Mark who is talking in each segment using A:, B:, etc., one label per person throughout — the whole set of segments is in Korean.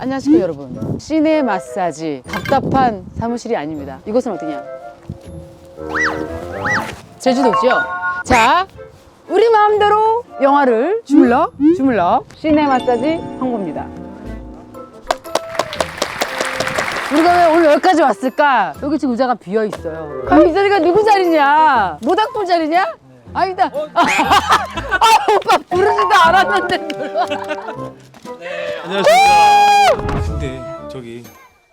A: 안녕하십니까 여러분. 시내 마사지 답답한 사무실이 아닙니다. 이곳은 어디냐? 제주도죠. 자, 우리 마음대로 영화를 주물럭 시내 마사지 황보입니다. 우리가 왜 오늘 여기까지 왔을까? 여기 지금 의자가 비어 있어요. 그럼 이 자리가 누구 자리냐? 모닥불 자리냐? 아니다. 오빠 부르지도 않았는데.
B: 네, 안녕하십니까. 근데 저기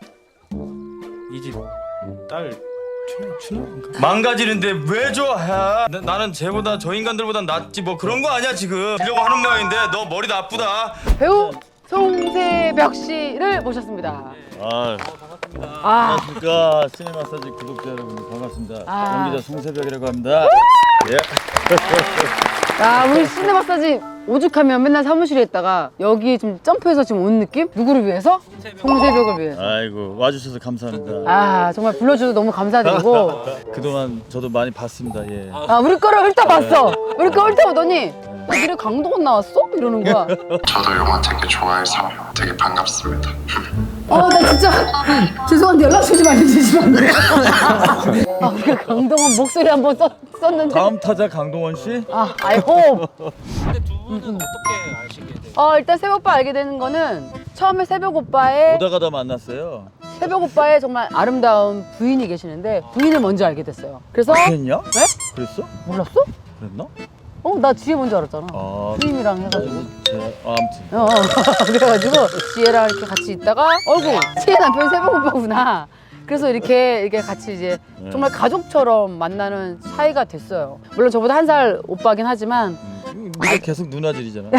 B: 이 집 딸 춘우인가? 망가지는데 왜 좋아해? 나는 쟤보다 저 인간들보단 낫지 뭐 그런 거 아니야 지금. 이러고 하는 모양인데 너 머리 나쁘다.
A: 배우 송세벽 씨를 모셨습니다.
B: 반갑습니다.
C: 안녕하십니까. 시네 마사지 구독자 여러분 반갑습니다. 연기자 송세벽이라고 합니다. 예.
A: 야, 우리 시내 마사지 오죽하면 맨날 사무실에 있다가 여기 좀 점프해서 지금 온 느낌? 누구를 위해서? 송세벽을 위해서.
C: 아이고 와주셔서 감사합니다.
A: 아, 정말 불러주셔서 너무 감사드리고.
C: 그동안 저도 많이 봤습니다. 예.
A: 아, 우리 거를 훑어봤어. 우리 거 훑어보더니 야, 니네 강동원 나왔어? 이러는 거야.
D: 저도 영화 되게 좋아해서 되게 반갑습니다.
A: 나 진짜 죄송한데 연락 주지 말아주시면 안 돼요? 아, 우리가 강동원 목소리 한번 썼는데.
C: 다음 타자 강동원 씨.
A: 아, I hope.
B: 근데 두 분은 어떻게 아시게 돼요?
A: 일단 새벽 오빠 알게 되는 거는 처음에 새벽 오빠의
C: 오다 가다 만났어요.
A: 정말 아름다운 부인이 계시는데 부인을 먼저 알게 됐어요. 그래서
C: 그랬냐?
A: 네?
C: 그랬어?
A: 몰랐어?
C: 그랬나?
A: 나 지혜 먼저 알았잖아. 부인이랑 해가지고.
C: 아무튼.
A: 그래가지고 지혜랑 이렇게 같이 있다가 어이구 지혜 남편이 새벽 오빠구나. 그래서 이렇게 같이 이제 정말 가족처럼 만나는 사이가 됐어요. 물론 저보다 한 살 오빠긴 하지만
C: 네가 계속 누나질이잖아.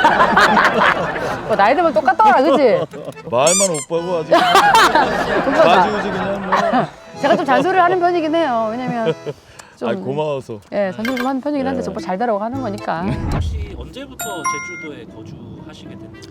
A: 나이 들면 똑같더라, 그치?
C: 말만 오빠고 아주
A: 오빠
C: 아주 그냥 뭐.
A: 제가 좀 잔소리를 하는 편이긴 해요. 왜냐면 좀
C: 아 고마워서.
A: 예, 잔소리 좀 하는 편이긴 한데 오빠 잘 되라고 하는 거니까.
E: 혹시 언제부터 제주도에 거주하시게 됐는지?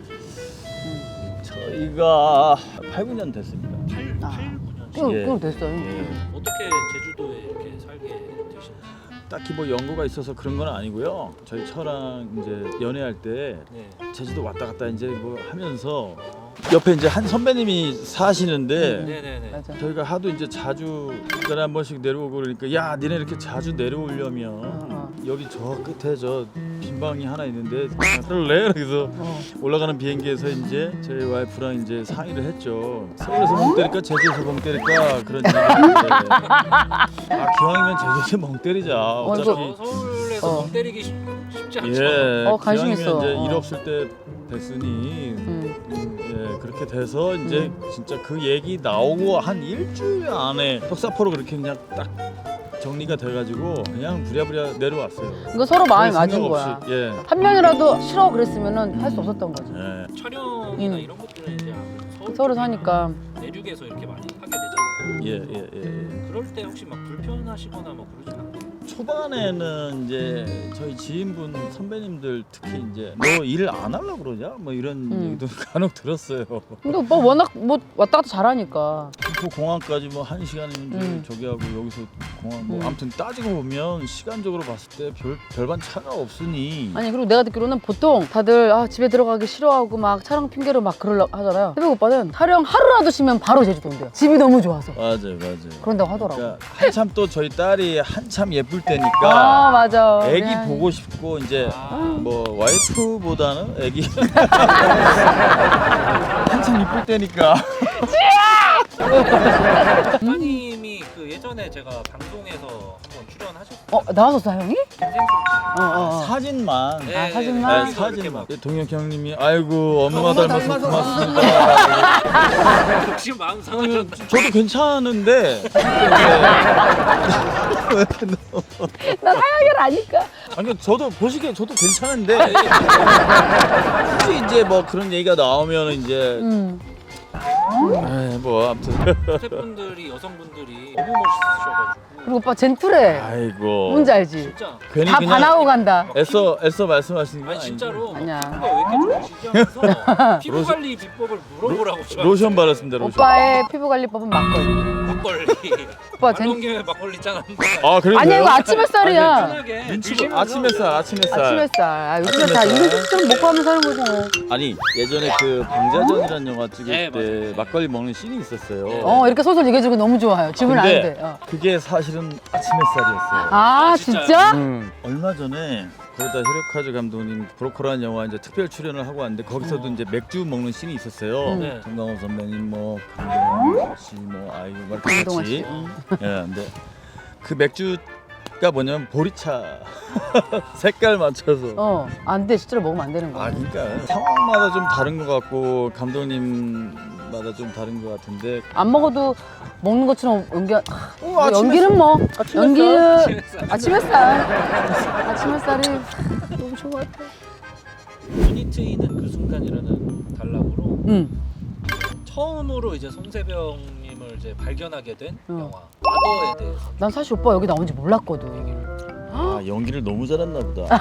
C: 저희가 8, 9년 됐습니다.
E: 8, 9년
C: 예.
A: 그럼 됐어요.
C: 예.
E: 어떻게 제주도에 이렇게 살게 되신 거예요?
C: 딱히 뭐 연고가 있어서 그런 건 아니고요. 저희 처랑 이제 연애할 때
E: 네.
C: 제주도 왔다 갔다 이제 뭐 하면서 옆에 이제 한 선배님이 사시는데
E: 네네네.
A: 맞아.
C: 저희가 하도 이제 자주 한 달에 한 번씩 내려오고 그러니까 야 니네 이렇게 자주 내려오려면 여기 저 끝에 저 빈방이 하나 있는데 그럴래? 그래서 올라가는 비행기에서 이제 저희 와이프랑 이제 상의를 했죠. 서울에서 멍 때릴까 제주에서 멍 때릴까 그런 얘기인데 기왕이면 제주에서 멍 때리자. 어차피
E: 서울에서 멍 때리기 쉽지 않죠?
C: 예
A: 관심
C: 기왕이면
A: 있어.
C: 이제 일 없을 때 됐으니 예 그렇게 돼서 이제 진짜 그 얘기 나오고 한 일주일 안에 턱사포로 그렇게 그냥 딱 정리가 돼가지고 그냥 부랴부랴 내려왔어요.
A: 이거 서로 마음이
C: 별
A: 맞은
C: 생각
A: 거야.
C: 없이, 예.
A: 한 명이라도 싫어 그랬으면은 할 수 없었던 거지.
C: 예.
E: 촬영이나 이런 것들은 이제 아무래도
A: 서로 사니까.
E: 내륙에서 이렇게 많이 하게 되잖아요.
C: 예.
E: 그럴 때 혹시 막 불편하시거나 뭐 그러진 않나요?
C: 초반에는 이제 저희 지인분 선배님들 특히 이제 너 일 안 하려고 그러냐? 뭐 이런 얘기도 간혹 들었어요.
A: 근데 오빠 워낙 뭐 왔다 갔다 잘하니까.
C: 김포 공항까지 뭐 1시간이면 저기 하고 여기서 공항 뭐 아무튼 따지고 보면 시간적으로 봤을 때 별반 차가 없으니
A: 아니 그리고 내가 듣기로는 보통 다들 집에 들어가기 싫어하고 막 촬영 핑계로 막 그러려고 하잖아요. 새벽 오빠는 촬영 하루라도 쉬면 바로 제주도 온대요. 집이 너무 좋아서.
C: 맞아요.
A: 그런다고 하더라고.
C: 그러니까 한참 또 저희 딸이 한참 예쁠 때니까
A: 맞아.
C: 애기
A: 미안해.
C: 보고 싶고 이제 뭐 와이프보다는 애기 한참 이쁠 때니까
E: 작가님이 그 예전에 제가 방송에서 한번 출연하셨어요.
A: 나왔었어 형이?
E: 인생술집.
C: 사진만
E: 네,
A: 사진만?
C: 네, 사진만 동혁 형님이 아이고 엄마 닮아서 고맙습니다.
E: 지금 마음 상하셨나?
C: 저도 괜찮은데
A: 난 하영이를 아니까.
C: 아니 저도 보시기에 저도 괜찮은데 굳이 이제 뭐 그런 얘기가 나오면 이제 뭐 아무튼.
E: 스태프분들이 여성분들이 너무 멋있으셔가지고.
A: 그리고 오빠 젠틀해.
C: 아이고.
A: 뭔지 알지?
E: 진짜.
C: 괜히
A: 다
C: 그냥
A: 반하고 간다.
C: 애써 말씀하시는 거
E: 아니 진짜로
A: 아니야.
E: 피부가 왜 이렇게 좋으시지 하면서 피부 관리 비법을 물어보라고 저한테.
C: 로션 바랐습니다. 로션.
A: 오빠의 피부 관리법은 막걸리.
E: 막걸리.
A: 오빠
E: 말놓은 김에 막걸리 짠하는데.
C: 아 그래요?
A: 아니야 이거 아침 햇살이야.
E: 편하게
C: 눈치 아침 햇살.
A: 아침 햇살. 아, 요즘에 다
C: 아침 햇살.
A: 이런 좀 먹고 하면 사는 거죠.
C: 아니 예전에 그 방자전이라는 영화 찍을
E: 네,
C: 때
E: 맞아요.
C: 막걸리 먹는 씬이 있었어요.
A: 이렇게 소설 얘기해주고 너무 좋아요. 질문 안 해도 돼.
C: 그게 사실은 아침 햇살이었어요.
A: 아
E: 진짜요?
A: 진짜?
C: 얼마 전에 거기다 히로카즈 감독님 브로커라는 영화 이제 특별 출연을 하고 왔는데 거기서도 이제 맥주 먹는 씬이 있었어요.
E: 네.
C: 정강호 선배님 뭐 강동원 씨 뭐 아이고 막 이렇게
A: 강동원 씨.
C: 같이. 예, 근데 그 맥주가 뭐냐면 보리차 색깔 맞춰서.
A: 안 돼. 실제로 먹으면 안 되는 거야.
C: 아 그러니까 상황마다 좀 다른 것 같고 감독님마다 좀 다른 것 같은데.
A: 안 먹어도 먹는 것처럼
C: 아침
A: 연기는 뭐
C: 아침
A: 연기는
E: 햇살.
A: 아침 햇살. 아침 햇살이 너무 좋은 것 같아.
E: 눈이 트이는 그 순간이라는 단락으로 처음으로 이제 송세병님을 이제 발견하게 된 영화 파더에 대해서.
A: 난 사실 오빠 여기 나온지 몰랐거든.
C: 아 연기를 너무 잘했나 보다.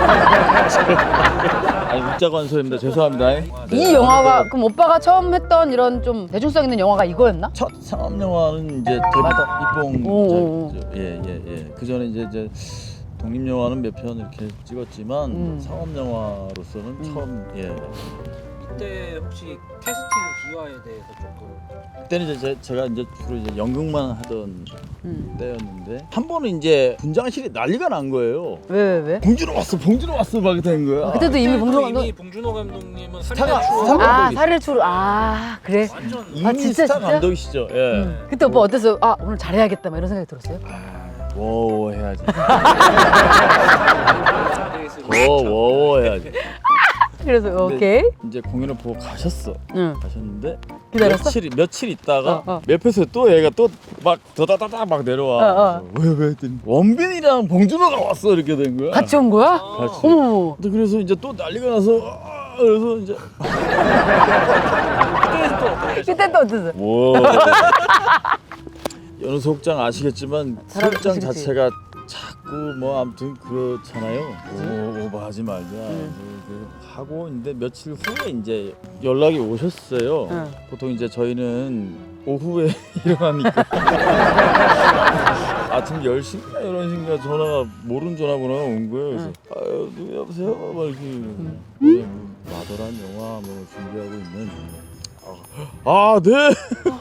C: 아니 웃자관소입니다. 죄송합니다.
A: 이 영화가 그럼 오빠가 처음 했던 이런 좀 대중성 있는 영화가 이거였나?
C: 첫 상업 영화는 이제 데뷔
A: 오.
C: 입봉. 예예예. 그 전에 이제 독립 영화는 몇 편 이렇게 찍었지만 상업 영화로서는 처음. 예.
E: 그때 혹시 캐스팅 비화에 대해서 조금.
C: 그때는 이제 제가 이제 주로 이제 연극만 하던 때였는데 한 번은 이제 분장실이 난리가 난 거예요.
A: 왜?
C: 봉준호 왔어 막 된 거야.
A: 그때도 이미 봉준호 감독.
E: 이미 봉준호 감독님은
C: 스타가
E: 살인의 추억.
C: 스타 감독이
A: 살인의 추억. 그래.
E: 완전
C: 이미
A: 진짜,
C: 스타
A: 진짜?
C: 감독이시죠. 예.
A: 그때 오빠 어땠어? 오늘 잘해야겠다 막 이런 생각이 들었어요?
C: 워워 해야지.
E: 베이스로.
C: 워워 해야지.
A: 그래서
C: 근데
A: 오케이.
C: 이제 공연을 보고 가셨는데
A: 기다렸어?
C: 며칠 있다가
A: 어.
C: 옆에서 또 얘가 또 막 더다다다 막 내려와. 왜 했더니 원빈이랑 봉준호가 왔어 이렇게 된 거야.
A: 같이 온 거야?
C: 같이.
A: 어머.
C: 근데 그래서 이제 또 난리가 나서 그래서 이제
A: 그때 또 어땠어?
C: 뭐 연우 소극장 아시겠지만
A: 잘
C: 소극장
A: 아시겠지.
C: 자체가 자꾸 뭐 아무튼 그렇잖아요. 오버하지 말자. 하고 있는데 며칠 후에 이제 연락이 오셨어요. 보통 이제 저희는 오후에 일어나니까 아침 10시인가 11시인가 전화가 모르는 전화번호가 온 거예요. 그래서 아유 누구 여보세요? 막 이렇게 뭐 마더란 영화 뭐 준비하고 있는 네.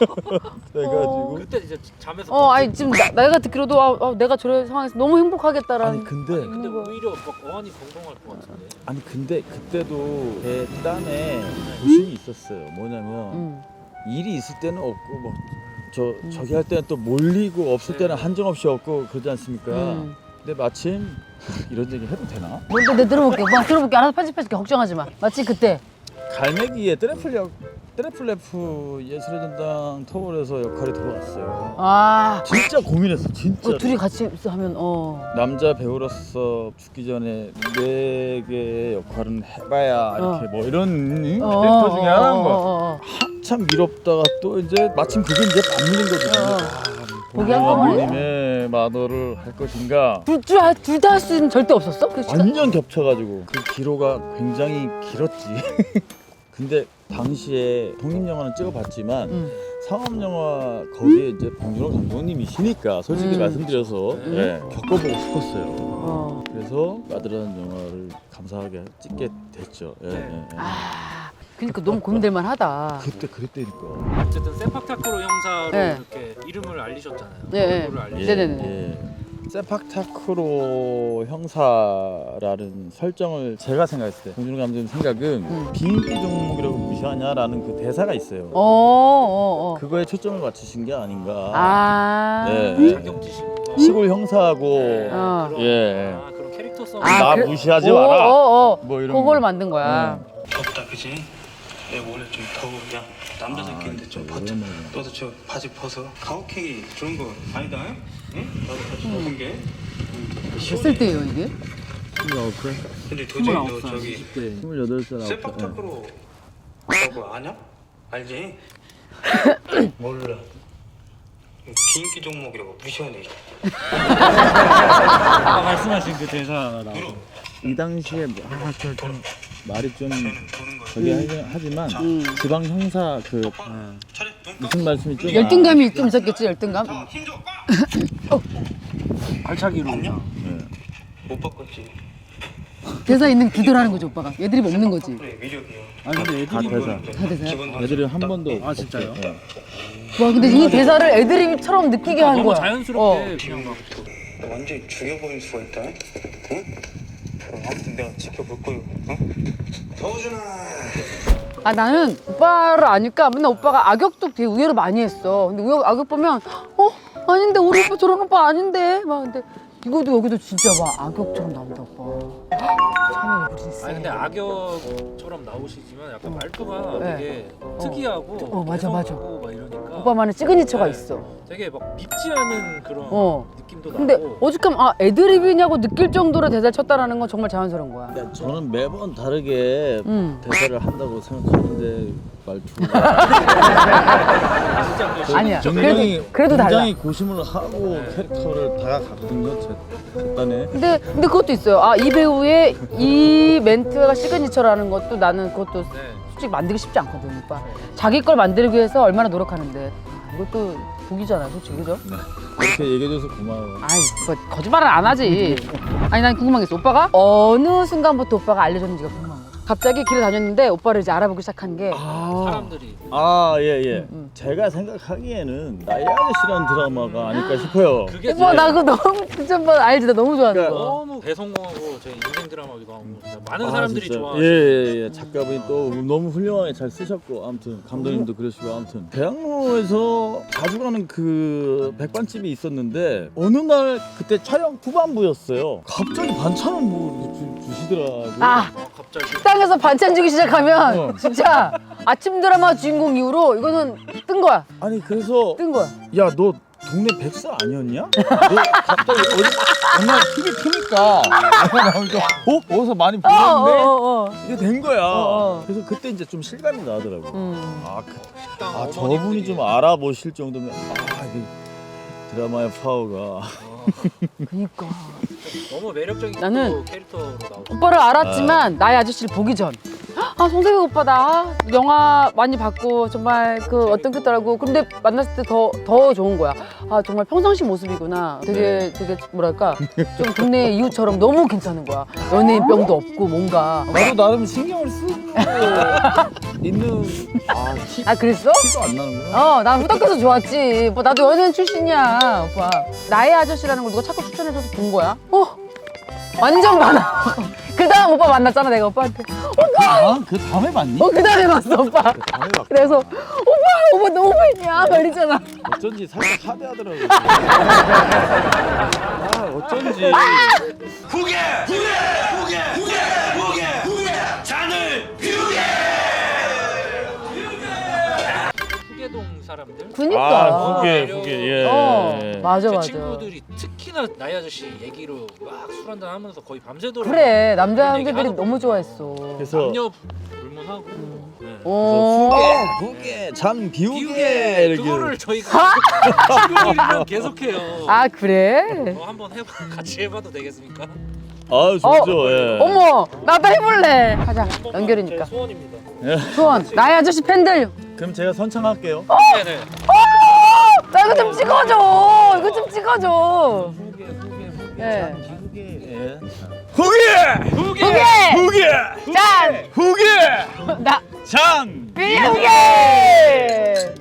C: 그래가지고
E: 그때 이제 잠에서.
A: 아니 지금 내가 듣기로도 내가 저런 상황에서 너무 행복하겠다라는.
C: 아니 근데
E: 근데 오히려 막 어안이 벙벙할 것 같은데.
C: 아니 근데 그때도 제 땀에 고심이 있었어요. 뭐냐면 일이 있을 때는 없고 뭐 저기 할 때는 또 몰리고 없을 때는 한정없이 없고 그러지 않습니까? 근데 마침 이런 얘기 해도 되나?
A: 뭔데 내 들어볼게. 오빠 들어볼게. 알아서 편집해줄게. 걱정하지 마. 마치 그때.
C: 갈매기의 트래플레프 예술의 전당 토벌에서 역할이 들어왔어요. 진짜 고민했어. 진짜.
A: 둘이 같이 하면
C: 남자 배우로서 죽기 전에 네 개의 역할은 해봐야 이렇게 뭐 이런 캐릭터 중에 하나인 거야. 한참 미롭다가 또 이제 마침 그게 이제 맞물린 거거든요.
A: 거기 한꺼번에.
C: 님의 마더를 할 것인가.
A: 둘 다 할 수는 절대 없었어? 그 시간?
C: 완전 겹쳐가지고 그 기로가 굉장히 길었지. 근데 당시에 독립영화는 찍어봤지만 상업영화 거기에 이제 봉준호 감독님이시니까 솔직히 말씀드려서 겪어보고 싶었어요. 그래서 마더라는 영화를 감사하게 찍게 됐죠.
A: 그러니까 너무 고민될 만하다.
C: 그때 그랬다니까.
E: 어쨌든 세팍타크로 형사로
A: 네.
E: 이렇게 이름을 알리셨잖아요.
A: 네.
E: 얼굴을
A: 네네네.
C: 세팍타크로 형사라는 설정을 제가 생각했을 때 봉준호 감독님 생각은 비인기 종목이라고 무시하냐라는 그 대사가 있어요. 그거에 초점을 맞추신 게 아닌가.
E: 자격지심과
C: 시골 형사하고
E: 그런 캐릭터성.
C: 나 무시하지 마라. 뭐 이런
A: 그걸 만든 거야.
B: 덥다 그지? 내가 원래 좀 더워 그냥 남자새끼인데 좀 벗자. 너도 저 바지 벗어. 가혹행위 좋은 거 아니다. 응? 나도 바지 벗은 게.
A: 몇 살 때예요 이게?
B: 근데 도저히 너 저기
C: 28살
B: 세팍타크로 저거 아냐? 알지? 몰라. 비인기 종목이라고 무시하네.
E: 아까 말씀하신 그 대사 나오고.
C: 이 당시에 좀 말이 좀 저기 하지만 지방 형사 그 무슨 말씀이 좀
A: 열등감이 좀 있었겠지, 열등감.
E: 발차기로.
B: 못 바꿨지.
A: 대사 있는 기도라는 거지, 오빠가. 애들이 먹는 거지.
B: 그래 위력이야.
E: 아니 근데
C: 다
E: 애들이
C: 대사.
A: 다 대사야.
C: 애들이 한 번도
E: 아 진짜요?
A: 와, 근데 이 대사를 애드립처럼 느끼게 하는
E: 너무
A: 거야.
E: 자연스럽게 그냥 막.
B: 완전히 죽여버릴 수가 있다. 응? 아무튼 내가 지켜볼 거요. 응? 서준아.
A: 아, 나는 오빠를 아니까 맨날 오빠가 악역도 되게 의외로 많이 했어. 근데 악역 보면 아닌데 우리 오빠 저런 오빠 아닌데 막 근데 이것도 여기도 진짜 막 악역처럼 나온다 오빠. 참 얼굴이 있어.
E: 아니 근데 악역처럼 나오시지만 약간 말투가
A: 네.
E: 되게 특이하고
A: 맞아, 맞아.
E: 매서우고 막 이러니까
A: 오빠만의 시그니처가
E: 네.
A: 있어.
E: 되게 막 밉지 않은 그런 느낌도
A: 근데
E: 나고.
A: 오죽하면 애드립이냐고 느낄 정도로 대사를 쳤다라는 건 정말 자연스러운 거야.
C: 저는 매번 다르게
A: 응.
C: 대사를 한다고 생각하는데 말투가
E: 진짜 그
A: 아니야.
C: 굉장히
A: 그래도 달라.
C: 굉장히 고심을 하고 캐릭터를 다가갔거든요. 제 딴에.
A: 근데 그것도 있어요. 아, 이 배우의 이 멘트가 시그니처라는 것도 나는 그것도
E: 네.
A: 솔직히 만들기 쉽지 않거든, 오빠. 자기 걸 만들기 위해서 얼마나 노력하는데. 이것도 복이잖아, 솔직히, 그죠?
C: 그렇게 얘기해줘서 고마워.
A: 아이, 거짓말은 안 하지. 아니, 난 궁금한 게 있어. 오빠가 어느 순간부터 오빠가 알려줬는지가 궁금한 거야. 갑자기 길을 다녔는데 오빠를 이제 알아보기 시작한 게
E: 사람들이
C: 예. 제가 생각하기에는 나의 아저씨라는 드라마가 아닐까 싶어요.
E: 그게
A: 오빠 나 그거 너무 진짜 오빠 알지? 나 너무 좋아하는
C: 그러니까
A: 거.
E: 너무 대성공하고 제 인생 드라마기도 하고 진짜 많은 사람들이
C: 진짜.
E: 좋아하시는
C: 예. 작가분이 또 너무 훌륭하게 잘 쓰셨고 아무튼 감독님도 그러시고 아무튼 대학로에서 자주 가는 그 백반집이 있었는데 어느 날 그때 촬영 후반부였어요. 갑자기 반찬을 뭐 주시더라고요.
A: 아,
E: 갑자기
A: 식당에서 반찬 주기 시작하면
C: 어.
A: 진짜 아침 드라마 주인공 이후로 이거는 뜬 거야.
C: 아니 그래서
A: 뜬 거야.
C: 야 너 동네 백사 아니었냐? 너 갑자기 어디 정말 TV 트니까 나오니까 어디서 많이 보셨는데 이게 된 거야. 그래서 그때 이제 좀 실감이 나더라고. 저분이 좀 알아보실 정도면 이게 드라마의 파워가.
A: 그니까.
E: 너무 매력적인
A: 나는
E: 또 캐릭터로 나오고.
A: 오빠를 알았지만 나의 아저씨를 보기 전. 아, 송세경 오빠다. 영화 많이 봤고 정말 그 어떤 것더라고. 근데 만났을 때 더 좋은 거야. 아, 정말 평상시 모습이구나. 되게 뭐랄까 좀 동네 이웃처럼 너무 괜찮은 거야. 연예인병도 없고 뭔가.
C: 나도 나름 신경을 쓰고 있는
A: 아, 그랬어?
C: 티도 안 나는구나.
A: 난 후덕해서 좋았지. 뭐 나도 연예인 출신이야, 오빠. 나의 아저씨라는 걸 누가 자꾸 추천해줘서 본 거야. 완전 많아. 그 다음 오빠 만났잖아, 내가 오빠한테.
C: 그 다음에 봤니?
A: 그 다음에 봤어, 오빠.
C: 다음에 봤.
A: 그래서 오빠 너무 팬이야, 막 이러잖아.
C: 어쩐지 살짝 하대하더라고. 어쩐지.
E: 후계동 사람들.
A: 그니까.
C: 후계.
A: 맞아,
E: 제
A: 맞아.
E: 친구들이 특히나 나의 아저씨 얘기로 막 술 한잔 하면서 거의 밤새도록
A: 그래,
E: 그런
A: 남자들이
E: 얘기하고
A: 너무 좋아했어.
C: 그래서
E: 남녀 불문하고 네.
C: 후계, 장 비우게
E: 비우게
C: 이렇게.
E: 그거를 저희가 친구들이랑 계속해요.
A: 아, 그래?
E: 한번 같이 해봐도 되겠습니까?
C: 좋죠. 예.
A: 어머, 나도 해볼래. 가자,
E: 제
A: 연결이니까.
E: 소원입니다.
A: 소원, 나의 아저씨 팬들.
C: 그럼 제가 선창할게요.
E: 네네.
A: 나 이거 좀 찍어줘. 이거 좀 찍어줘. 예.
C: 후계!
A: 짠!
C: 후계!
A: 나
C: 장!
A: 비우게!